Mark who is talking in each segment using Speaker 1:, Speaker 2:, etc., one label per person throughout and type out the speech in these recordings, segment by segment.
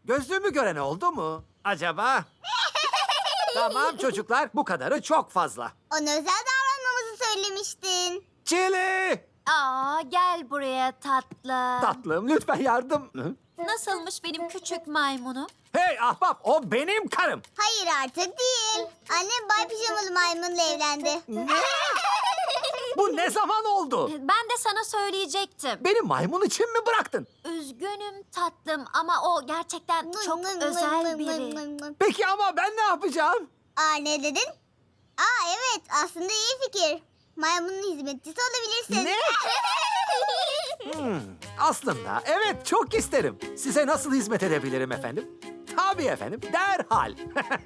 Speaker 1: Gözlüğümü gören oldu mu acaba? Tamam çocuklar, bu kadarı çok fazla.
Speaker 2: Ona özel davranmamızı söylemiştin.
Speaker 1: Çili!
Speaker 3: Aa, gel buraya tatlım.
Speaker 1: Tatlım lütfen yardım. Hı?
Speaker 3: Nasılmış benim küçük maymunum?
Speaker 1: Hey ahbap, o benim karım.
Speaker 2: Hayır artık değil. Annem Bay Pijamalı Maymun'la evlendi.
Speaker 1: Bu ne zaman oldu?
Speaker 3: Ben de sana söyleyecektim.
Speaker 1: Beni maymun için mi bıraktın?
Speaker 3: Üzgünüm tatlım ama o gerçekten çok özel biri.
Speaker 1: Peki ama ben ne yapacağım?
Speaker 2: Aa, ne dedin? Aa, evet, aslında iyi fikir. Maymunun hizmetçisi olabilirsin.
Speaker 1: Ne? Aslında evet, çok isterim. Size nasıl hizmet edebilirim efendim? Tabii efendim, derhal.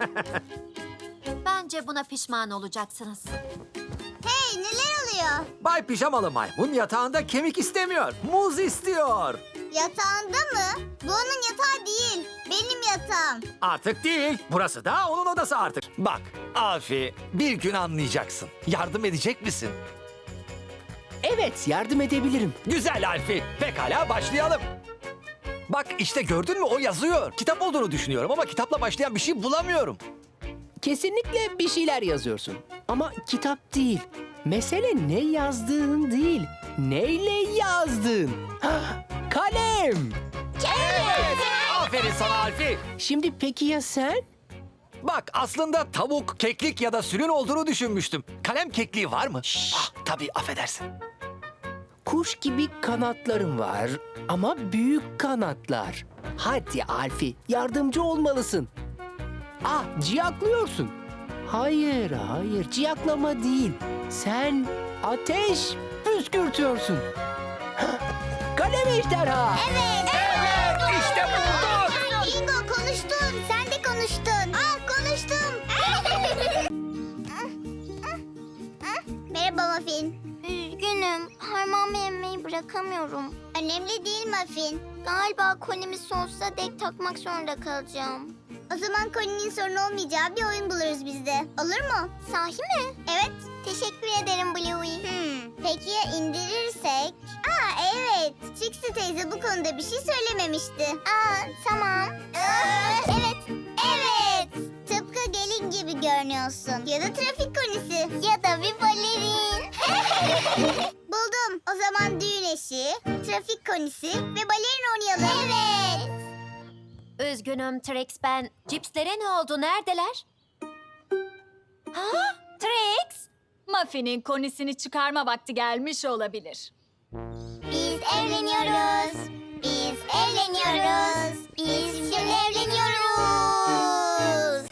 Speaker 3: Bence buna pişman olacaksınız.
Speaker 2: Hey, neler oluyor?
Speaker 1: Bay Pijamalı Maymun yatağında kemik istemiyor, muz istiyor.
Speaker 2: Yatağında mı? Bu onun yatağı değil. Benim yatağım.
Speaker 1: Artık değil, burası da onun odası artık.
Speaker 4: Bak Alfi, bir gün anlayacaksın. Yardım edecek misin?
Speaker 5: Evet, yardım edebilirim.
Speaker 4: Güzel Alfi, pekala başlayalım. Bak işte gördün mü, o yazıyor. Kitap olduğunu düşünüyorum ama kitapla başlayan bir şey bulamıyorum.
Speaker 5: Kesinlikle bir şeyler yazıyorsun. Ama kitap değil. Mesele ne yazdığın değil. Neyle yazdığın. Hah, kalem.
Speaker 4: Evet, aferin sana Alfi.
Speaker 5: Şimdi peki ya sen?
Speaker 4: Bak aslında tavuk, keklik ya da sülün olduğunu düşünmüştüm. Kalem kekliği var mı? Ah, tabii affedersin.
Speaker 5: Kuş gibi kanatlarım var ama büyük kanatlar. Hadi Alfi, yardımcı olmalısın. Ah, ciyaklıyorsun. Hayır, hayır, ciyaklama değil. Sen ateş püskürtüyorsun. Hah, kalem ejderha.
Speaker 2: Evet.
Speaker 4: Evet, işte bulduk.
Speaker 2: Bingo, konuştun. Sen de konuştun. Aa, konuştum. Merhaba Muffin.
Speaker 6: Üzgünüm. Harmamı emmeyi bırakamıyorum.
Speaker 2: Önemli değil Muffin.
Speaker 6: Galiba konimi sonsuza dek takmak zorunda kalacağım.
Speaker 2: O zaman Colin'in sorun olmayacağı bir oyun buluruz biz de. Olur mu?
Speaker 6: Sahi mi?
Speaker 2: Evet.
Speaker 6: Teşekkür ederim Bluey.
Speaker 2: Peki ya indirirsek? Aa, evet. Trixie teyze bu konuda bir şey söylememişti.
Speaker 6: Aa, tamam. Evet.
Speaker 2: Evet. Tıpkı gelin gibi görünüyorsun. Ya da trafik konisi.
Speaker 6: Ya da bir balerin.
Speaker 2: Buldum. O zaman düğün eşi, trafik konisi ve balerin oynayalım.
Speaker 6: Evet.
Speaker 3: Üzgünüm Trix, ben. Cipslere ne oldu? Neredeler? Ha? Trix?
Speaker 7: Muffin'in konisini çıkarma vakti gelmiş olabilir.
Speaker 6: Biz evleniyoruz. Biz evleniyoruz. Biz şimdi evleniyoruz.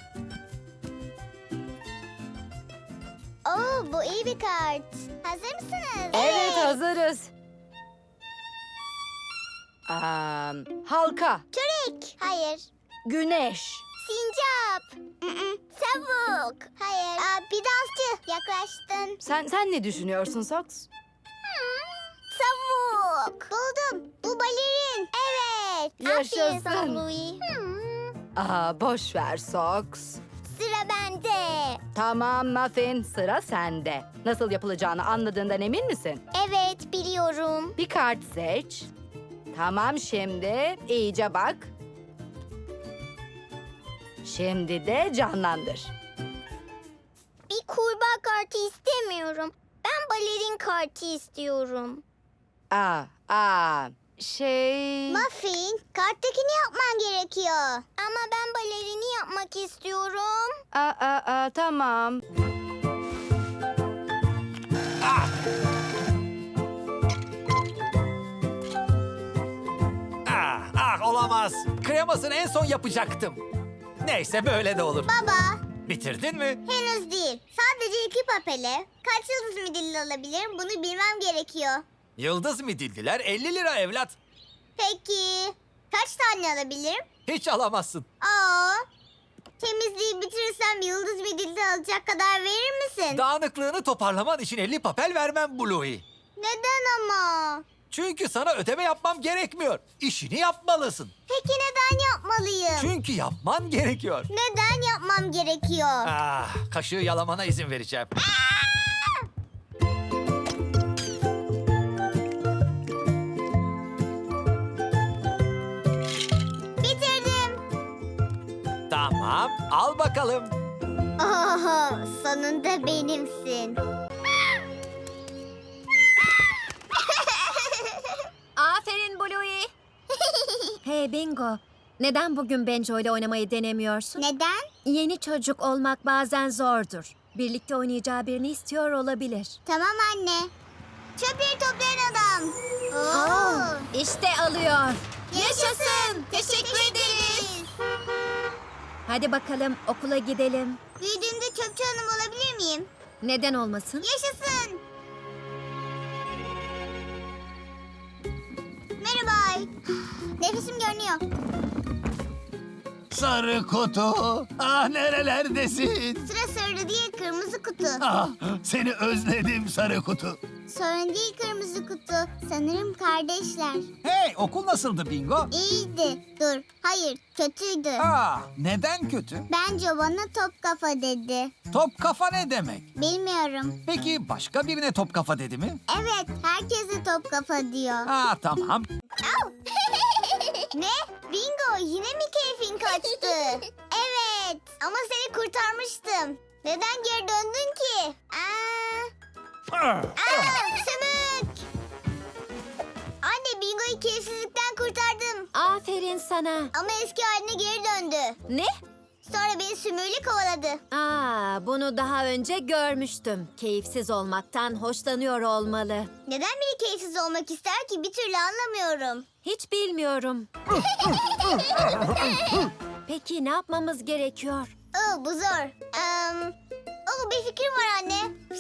Speaker 2: Oo, bu iyi bir kart. Hazır mısınız?
Speaker 8: Evet, hazırız. Halka,
Speaker 2: Türek. Hayır.
Speaker 8: güneş,
Speaker 2: Sincap. Tavuk. Hayır. Aa, bir dansçı. Yaklaştın.
Speaker 8: Sen ne düşünüyorsun Sox?
Speaker 2: Tavuk. Buldum. Bu balerin. Evet.
Speaker 6: Aferin sana
Speaker 8: Yaşasın.
Speaker 6: Bluey.
Speaker 8: Boş ver Sox.
Speaker 2: Sıra bende.
Speaker 8: Tamam Muffin, sıra sende. Nasıl yapılacağını anladığından emin misin?
Speaker 6: Evet, biliyorum.
Speaker 8: Bir kart seç. Tamam, şimdi iyice bak. Şimdi de canlandır.
Speaker 6: Bir kurbağa kartı istemiyorum. Ben balerin kartı istiyorum.
Speaker 8: Şey...
Speaker 2: Muffin, karttakini yapman gerekiyor.
Speaker 6: Ama ben balerini yapmak istiyorum.
Speaker 8: Tamam.
Speaker 4: Ah olamaz. Kremasını en son yapacaktım. Neyse böyle de olur.
Speaker 2: Baba,
Speaker 4: Bitirdin mi?
Speaker 2: henüz değil. Sadece iki papele. Kaç yıldız midilli alabilirim? Bunu bilmem gerekiyor.
Speaker 4: Yıldız midilliler 50 lira evlat.
Speaker 2: Peki, kaç tane alabilirim?
Speaker 4: Hiç alamazsın.
Speaker 2: Aa, temizliği bitirirsem yıldız midilli alacak kadar verir misin?
Speaker 4: Dağınıklığını toparlaman için 50 papel vermem Bluey.
Speaker 2: Neden ama?
Speaker 4: Çünkü sana ödeme yapmam gerekmiyor. İşini yapmalısın.
Speaker 2: Peki neden yapmalıyım?
Speaker 4: Çünkü yapman gerekiyor.
Speaker 2: Neden yapmam gerekiyor?
Speaker 4: Ah, kaşığı yalamana izin vereceğim.
Speaker 2: Bitirdim.
Speaker 4: Tamam, al bakalım.
Speaker 2: Oh, sonunda benimsin.
Speaker 3: Aferin Bluey. Hey Bingo. Neden bugün Benjo ile oynamayı denemiyorsun?
Speaker 2: Neden?
Speaker 3: Yeni çocuk olmak bazen zordur. Birlikte oynayacağı birini istiyor olabilir.
Speaker 2: Tamam anne. Çöpleri toplayan adam. Oo.
Speaker 3: İşte alıyor.
Speaker 2: Yaşasın. Teşekkür ederiz.
Speaker 3: Hadi bakalım okula gidelim.
Speaker 2: Büyüdüğümde çöpçü hanım olabilir miyim?
Speaker 3: Neden olmasın?
Speaker 2: Yaşasın. Merhaba. Nefesim görünüyor.
Speaker 9: Sarı kutu. Ah nerelerdesin?
Speaker 2: Sıra sarı değil kırmızı kutu.
Speaker 9: Ah seni özledim sarı kutu.
Speaker 2: Sorun değil kırmızı kutu. Sanırım kardeşler.
Speaker 1: Hey, okul nasıldı Bingo?
Speaker 2: İyiydi. Dur. Hayır. Kötüydü.
Speaker 1: Neden kötü?
Speaker 2: Bence bana top kafa dedi.
Speaker 1: Top kafa ne demek?
Speaker 2: Bilmiyorum.
Speaker 1: Peki başka birine top kafa dedi mi?
Speaker 2: Evet. Herkese top kafa diyor.
Speaker 1: Tamam.
Speaker 2: Au! Ne? Bingo yine mi keyfin kaçtı? Evet. Ama seni kurtarmıştım. Neden geri döndün ki? Sümük! Anne Bingo'yu keyifsizlikten kurtardım.
Speaker 3: Aferin sana.
Speaker 2: Ama eski haline geri döndü.
Speaker 3: Ne?
Speaker 2: Sonra beni sümüğüyle kovaladı.
Speaker 3: Bunu daha önce görmüştüm. Keyifsiz olmaktan hoşlanıyor olmalı.
Speaker 2: Neden biri keyifsiz olmak ister ki bir türlü anlamıyorum.
Speaker 3: Hiç bilmiyorum. Peki ne yapmamız gerekiyor?
Speaker 2: Bu zor. Bir fikrim var anne.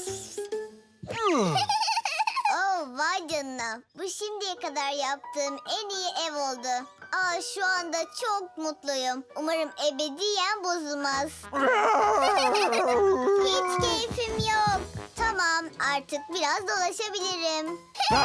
Speaker 2: Vay canına. Bu şimdiye kadar yaptığım en iyi ev oldu. Şu anda çok mutluyum. Umarım ebediyen bozulmaz. Hiç keyfim yok. Tamam, artık biraz dolaşabilirim.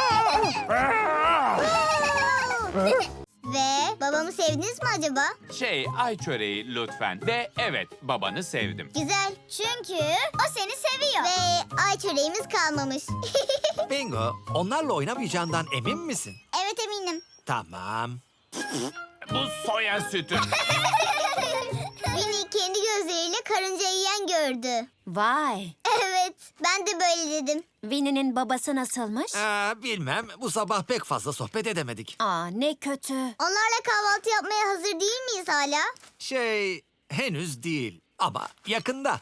Speaker 2: Ve babamı sevdiniz mi acaba?
Speaker 10: Ay çöreği lütfen. Ve evet, babanı sevdim.
Speaker 2: Güzel. Çünkü o seni seviyor. Ve ay çöreğimiz kalmamış.
Speaker 4: Bingo, onlarla oynamayacağından emin misin?
Speaker 2: Evet eminim.
Speaker 4: Tamam.
Speaker 10: Bu soya sütü.
Speaker 2: Winnie kendi gözleriyle karınca yiyen gördü.
Speaker 3: Vay.
Speaker 2: Evet, ben de böyle dedim.
Speaker 3: Winnie'nin babası nasılmış?
Speaker 4: Bilmem, bu sabah pek fazla sohbet edemedik.
Speaker 3: Ne kötü.
Speaker 2: Onlarla kahvaltı yapmaya hazır değil miyiz hala?
Speaker 4: Henüz değil ama yakında.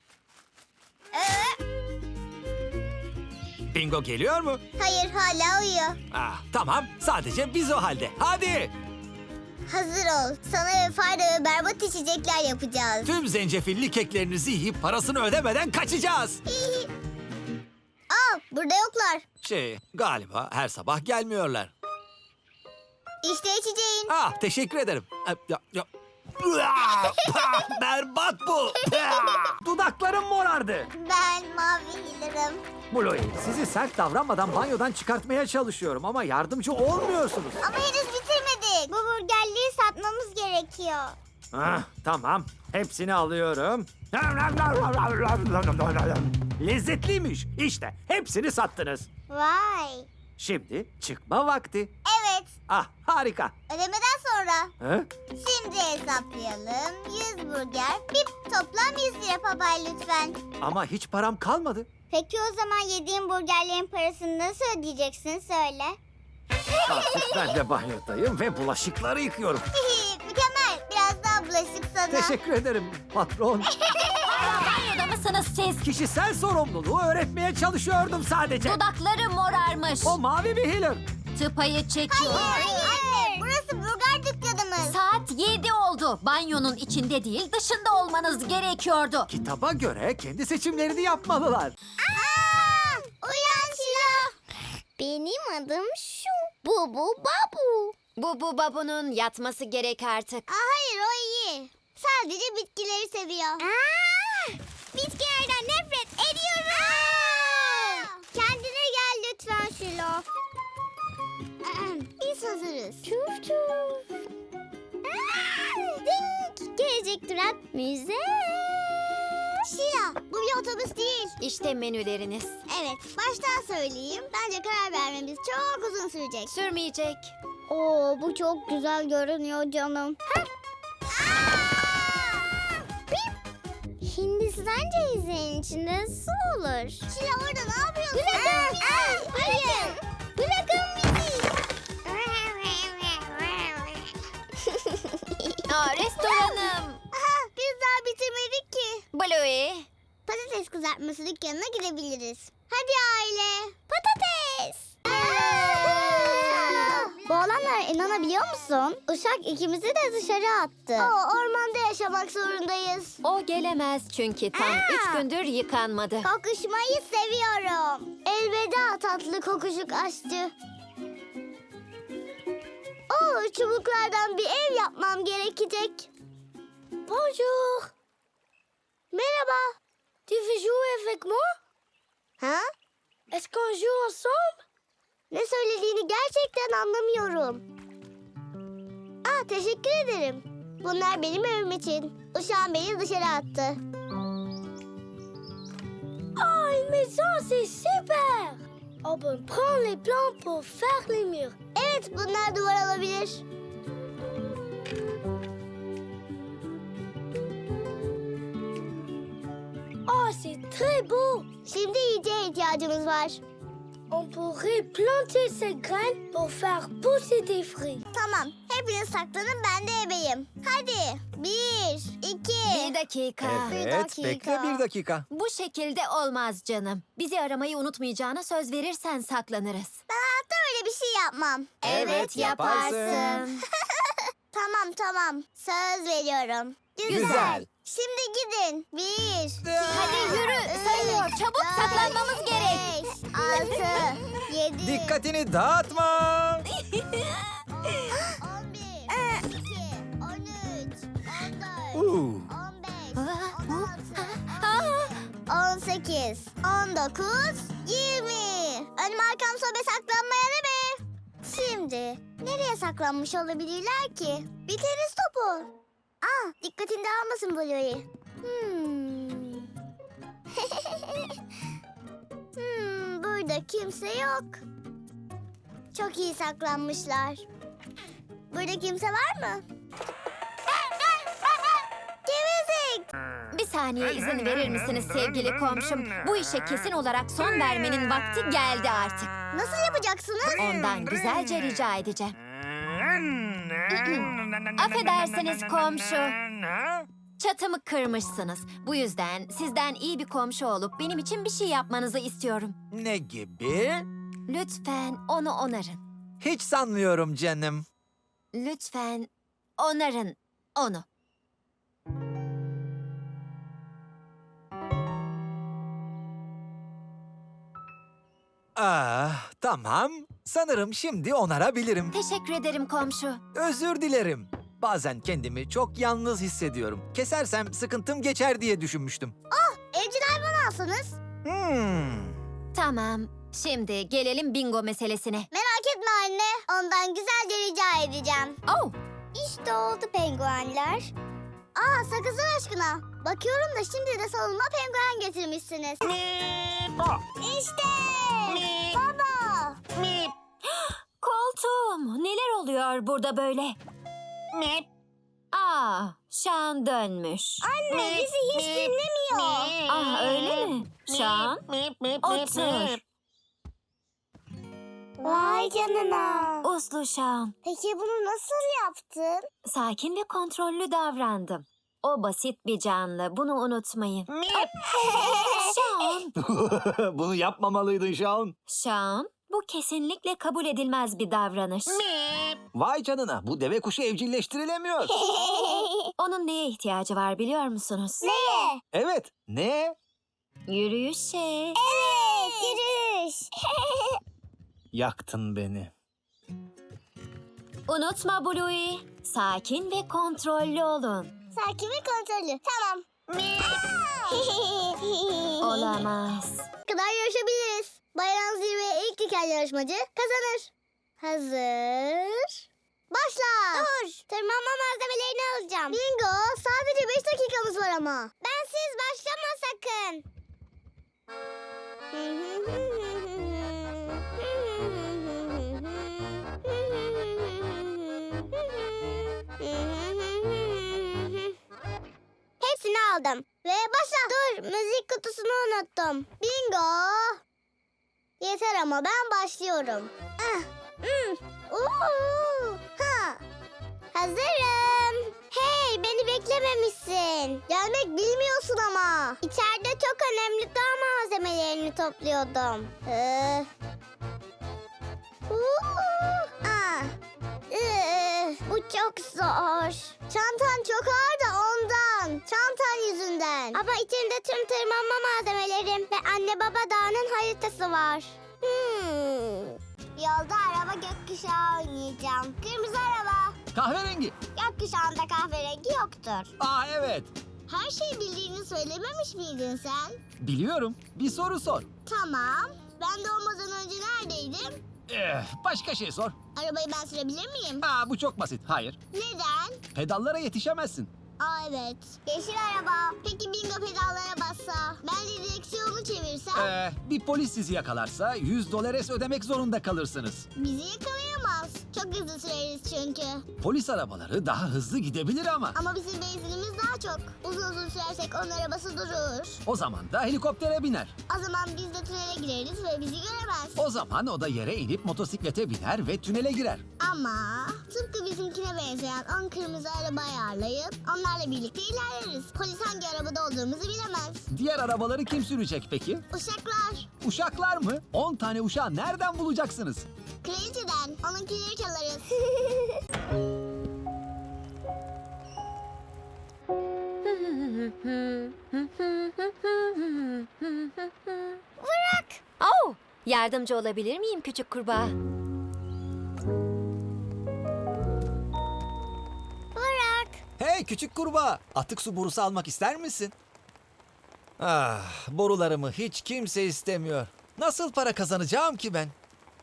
Speaker 4: Bingo geliyor mu?
Speaker 2: Hayır, hala uyuyor.
Speaker 4: Tamam, sadece biz o halde. Hadi!
Speaker 2: Hazır ol. Sana ve fayda ve berbat içecekler yapacağız.
Speaker 4: Tüm zencefilli keklerinizi yiyip parasını ödemeden kaçacağız.
Speaker 2: Burada yoklar.
Speaker 4: Galiba her sabah gelmiyorlar.
Speaker 2: İşte içeceğin.
Speaker 4: Teşekkür ederim. Berbat bu.
Speaker 1: Dudaklarım morardı.
Speaker 2: Ben mavi hilerim.
Speaker 1: Bluey, sizi sert davranmadan banyodan çıkartmaya çalışıyorum ama yardımcı olmuyorsunuz.
Speaker 2: Ama henüz bitirmedik. Bu burgerleri satmamız gerekiyor.
Speaker 1: Tamam, hepsini alıyorum. Lezzetliymiş. İşte hepsini sattınız.
Speaker 2: Vay.
Speaker 1: Şimdi çıkma vakti.
Speaker 2: Evet.
Speaker 1: Harika.
Speaker 2: Ödemeden sonra.
Speaker 1: Hı?
Speaker 2: Şimdi hesaplayalım. 100 burger. Toplam 100 lira papay lütfen.
Speaker 1: Ama hiç param kalmadı.
Speaker 2: Peki o zaman yediğin burgerlerin parasını nasıl ödeyeceksin söyle.
Speaker 1: Artık ben de banyodayım ve bulaşıkları yıkıyorum.
Speaker 2: Mükemmel. Biraz daha bulaşık sana.
Speaker 1: Teşekkür ederim patron.
Speaker 3: Banyoda mısınız siz?
Speaker 1: Kişisel sorumluluğu öğretmeye çalışıyordum sadece.
Speaker 3: Dudakları morarmış.
Speaker 1: O mavi bir healer.
Speaker 3: Tıpayı çekiyor.
Speaker 2: Anne, burası burger dükkanımız.
Speaker 3: Saat 7 oldu. Banyonun içinde değil dışında olmanız gerekiyordu.
Speaker 1: Kitaba göre kendi seçimlerini yapmalılar.
Speaker 2: Uyan Şila. Benim adım şu. Bubu Babu.
Speaker 3: Bu babunun yatması gerek artık.
Speaker 2: Hayır o iyi. Sadece bitkileri seviyor. Bitkilerden nefret ediyorum. Kendine gel lütfen Şilo. Biz hazırız. Çuf çuf. Ding. Gelecek durak müze. Şila bu bir otobüs değil.
Speaker 3: İşte menüleriniz.
Speaker 2: Evet baştan söyleyeyim. Bence karar vermemiz çok uzun sürecek.
Speaker 3: Sürmeyecek.
Speaker 2: Bu çok güzel görünüyor canım.
Speaker 6: Hindistan cevizinin içinde su olur.
Speaker 2: Şila orada ne yapıyorsun?
Speaker 6: Bırakın bizi. Bırakın bizi.
Speaker 3: Restoranım.
Speaker 2: Aha, biz daha bitirmedik ki.
Speaker 3: Bluey.
Speaker 2: Patates kızartması dükkanına gidebiliriz. Hadi aile.
Speaker 6: Patates.
Speaker 2: Bu olanlara inanabiliyor musun? Uşak ikimizi de dışarı attı. Ormanda yaşamak zorundayız.
Speaker 3: O gelemez çünkü tam 3 gündür yıkanmadı.
Speaker 2: Kokuşmayı seviyorum. Elveda tatlı kokuşuk aşçı. Çubuklardan bir ev yapmam gerekecek. Bonjour. Merhaba. Tu veux jouer avec moi? Ha? Est-ce qu'on joue ensemble? Ne söylediğini gerçekten anlamıyorum. Teşekkür ederim. Bunlar benim evim için. Uşağım beni dışarı attı. Une maison, c'est super. On peut prendre les plans pour faire les murs. Evet, bunlar duvar olabilir. C'est très beau. Şimdi yiyeceğe ihtiyacımız var. On pourrait planter ces graines pour faire pousser des fruits. Tamam, hepiniz saklanın, ben de ebeyim. Hadi, 1, 2.
Speaker 3: Bir dakika.
Speaker 4: Evet, bekle bir dakika.
Speaker 3: Bu şekilde olmaz canım. Bizi aramayı unutmayacağına söz verirsen saklanırız.
Speaker 2: Ben hayatta öyle bir şey yapmam.
Speaker 3: Evet, yaparsın.
Speaker 2: Tamam. Söz veriyorum.
Speaker 4: Güzel.
Speaker 2: Şimdi gidin. 1, 2,
Speaker 3: Hadi yürü, sayıyor. Çabuk saklanmamız gerek.
Speaker 2: 6, 7,
Speaker 4: Dikkatini dağıtma.
Speaker 2: 11, 12, 13, 14, 15, 18, 19, 20. Önüm arkam sobe saklanmaya ne be? Şimdi nereye saklanmış olabilirler ki? Bir tenis topu. Dikkatini dağılmasın Bluey. Burada kimse yok. Çok iyi saklanmışlar. Burada kimse var mı? Gevezik!
Speaker 3: Bir saniye izin verir misiniz sevgili komşum? Bu işe kesin olarak son vermenin vakti geldi artık.
Speaker 2: Nasıl yapacaksınız?
Speaker 3: Ondan güzelce rica edeceğim. Affedersiniz komşu. Çatımı kırmışsınız. Bu yüzden sizden iyi bir komşu olup benim için bir şey yapmanızı istiyorum.
Speaker 4: Ne gibi?
Speaker 3: Lütfen onu onarın.
Speaker 4: Hiç sanmıyorum canım.
Speaker 3: Lütfen onarın onu.
Speaker 4: Tamam. Sanırım şimdi onarabilirim.
Speaker 3: Teşekkür ederim komşu.
Speaker 4: Özür dilerim. Bazen kendimi çok yalnız hissediyorum. Kesersem sıkıntım geçer diye düşünmüştüm.
Speaker 2: Evcil hayvan alsanız.
Speaker 3: Tamam. Şimdi gelelim bingo meselesine.
Speaker 2: Merak etme anne. Ondan güzelce rica edeceğim.
Speaker 3: Oh,
Speaker 2: İşte oldu penguenler. Sakızlar aşkına. Bakıyorum da şimdi de salonuma penguen getirmişsiniz. İşte. Baba.
Speaker 3: koltuğum. Neler oluyor burada böyle? Şan dönmüş.
Speaker 2: Anne bizi hiç dinlemiyor.
Speaker 3: Öyle mi? Şan, otur.
Speaker 2: Vay canına.
Speaker 3: Uslu Şan.
Speaker 2: Peki bunu nasıl yaptın?
Speaker 3: Sakin ve kontrollü davrandım. O basit bir canlı. Bunu unutmayın. Şan.
Speaker 4: Bunu yapmamalıydın Şaun.
Speaker 3: Şan, bu kesinlikle kabul edilmez bir davranış.
Speaker 4: Vay canına, bu deve kuşu evcilleştirilemiyor.
Speaker 3: Onun neye ihtiyacı var biliyor musunuz?
Speaker 2: Neye?
Speaker 4: Evet, ne?
Speaker 3: Yürüyüşe.
Speaker 2: Evet, yürüyüş.
Speaker 4: Yaktın beni.
Speaker 3: Unutma Bluey. Sakin ve kontrollü olun.
Speaker 2: Sakin ve kontrollü. Tamam.
Speaker 3: Olamaz.
Speaker 2: kadar yarışabiliriz. Bayram zirveye ilk diken yarışmacı kazanır. Hazır. Başla. Dur. Tırmanma malzemelerini alacağım. Bingo. Sadece 5 dakikamız var ama. Bensiz başlama sakın. Hepsini aldım. Ve başla. Dur, müzik kutusunu unuttum. Bingo. Yeter ama ben başlıyorum. Ha. Hazırım. Hey, beni beklememişsin. Gelmek bilmiyorsun ama. İçeride çok önemli dağ malzemelerini topluyordum. Bu çok zor. Çantan çok ağır da ondan. Çantan yüzünden. Ama içinde tüm tırmanma malzemelerim ve anne baba dağının haritası var. Yolda araba gökkuşağı oynayacağım. Kırmızı araba.
Speaker 4: Kahverengi.
Speaker 2: Gökkuşağında kahverengi yoktur.
Speaker 4: Aa evet.
Speaker 2: Her şeyi bildiğini söylememiş miydin sen?
Speaker 4: Biliyorum. Bir soru sor.
Speaker 2: Tamam. Ben doğmadan önce neredeydim?
Speaker 4: Başka şey sor.
Speaker 2: Arabayı ben sürebilir miyim?
Speaker 4: Aa bu çok basit. Hayır.
Speaker 2: Neden?
Speaker 4: Pedallara yetişemezsin.
Speaker 2: Aa evet. Yeşil araba. Peki bingo pedallara bassa? Ben de direksiyonu çevirsem?
Speaker 4: Bir polis sizi yakalarsa $100 ödemek zorunda kalırsınız.
Speaker 2: Bizi yakalayamaz. Çok hızlı süreriz çünkü.
Speaker 4: Polis arabaları daha hızlı gidebilir ama.
Speaker 2: Ama bizim benzinimiz daha çok. Uzun sürersek onun arabası durur.
Speaker 4: O zaman da helikoptere biner.
Speaker 2: O zaman biz de tünele gireriz ve bizi göremez.
Speaker 4: O zaman o da yere inip motosiklete biner ve tünele girer.
Speaker 2: Ama tıpkı bizimkine benzeyen 10 kırmızı araba ayarlayıp onlarla birlikte ilerleriz. Polis hangi arabada olduğumuzu bilemez.
Speaker 4: Diğer arabaları kim sürecek peki?
Speaker 2: Uşaklar.
Speaker 4: Uşaklar mı? 10 tane uşağı nereden bulacaksınız?
Speaker 2: Kraliçeden. Onunkileri çalarız.
Speaker 3: Oh, yardımcı olabilir miyim küçük kurbağa?
Speaker 2: Bırak.
Speaker 4: Hey küçük kurbağa, atık su borusu almak ister misin? Ah, borularımı hiç kimse istemiyor. Nasıl para kazanacağım ki ben?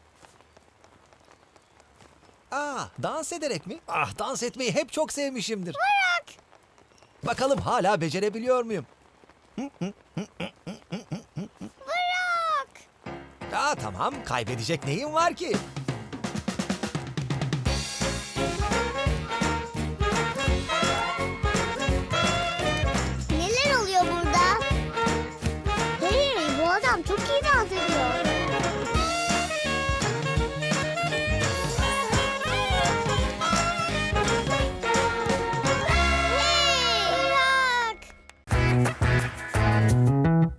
Speaker 4: Dans ederek mi? Dans etmeyi hep çok sevmişimdir. Bırak! Bakalım hala becerebiliyor muyum?
Speaker 2: Bırak.
Speaker 4: Tamam, kaybedecek neyim var ki?